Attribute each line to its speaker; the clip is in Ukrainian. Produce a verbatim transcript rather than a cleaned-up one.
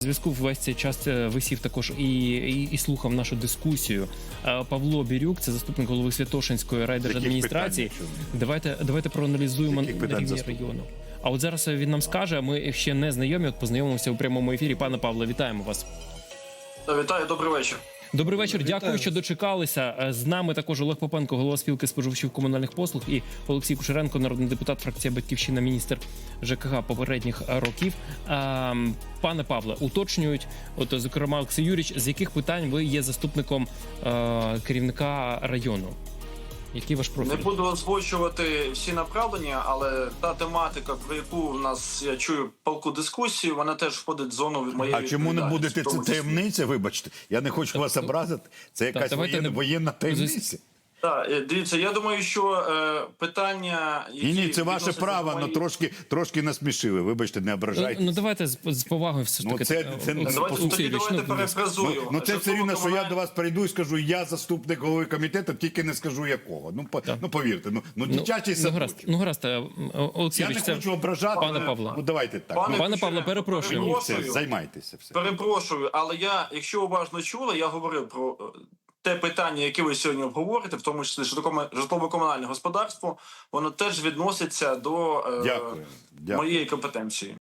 Speaker 1: Зв'язку весь цей час висів також і, і, і слухав нашу дискусію. Павло Бірюк, це заступник голови Святошинської райдержадміністрації. Давайте, давайте проаналізуємо на рівні району. А от зараз він нам скаже, ми ще не знайомі, от познайомимося у прямому ефірі. Пане Павло, вітаємо вас.
Speaker 2: Вітаю, добрий вечір.
Speaker 1: Добрий вечір,
Speaker 3: Вітаю.
Speaker 1: Дякую, що дочекалися. З нами також Олег Попенко, голова спілки споживачів комунальних послуг, і Олексій Кушеренко, народний депутат, фракція «Батьківщина», міністр ЖКГ попередніх років. Пане Павле, уточнюють, от, зокрема, Олексій Юрійович, з яких питань ви є заступником керівника району? Який ваш профіль?
Speaker 2: Не буду озвучувати всі направлення, але та тематика, про яку в нас, я чую, палку дискусію, вона теж входить в зону від моєї.
Speaker 3: А чому не будете це таємниця, вибачте? Я не хочу вас образити. Це якась воєнна,
Speaker 1: не...
Speaker 3: воєнна таємниця.
Speaker 2: Так, дивіться, я думаю, що е, питання... Які
Speaker 3: ні, ні, це ваше право, але
Speaker 2: мої...
Speaker 3: трошки, трошки насмішили, вибачте, не ображайтесь.
Speaker 1: Ну, ну давайте з, з повагою все ж таки.
Speaker 3: Ну, це, це,
Speaker 2: Давайте,
Speaker 3: послухайте,
Speaker 2: тоді давайте
Speaker 1: ну,
Speaker 2: перефразую.
Speaker 3: Ну, ну це все рівно, що я
Speaker 2: комунальні...
Speaker 3: до вас прийду і скажу, я заступник голови комітету, тільки не скажу якого. Ну, по, ну повірте, ну, ну дитячий
Speaker 1: ну, ну, гаразд,
Speaker 3: садочок.
Speaker 1: ну, гаразд, Олексій,
Speaker 3: Я не
Speaker 1: це...
Speaker 3: хочу ображати,
Speaker 1: пане Павло.
Speaker 3: Ну, давайте так.
Speaker 2: Пане,
Speaker 1: Пане Павло, перепрошую.
Speaker 3: Ні, все, займайтеся. Все.
Speaker 2: Перепрошую, але я, якщо уважно чули, я говорив про те питання, яке ви сьогодні обговорите, в тому числі житлово-комунальне господарство, воно теж відноситься до е,
Speaker 3: Дякую. Дякую.
Speaker 2: моєї компетенції.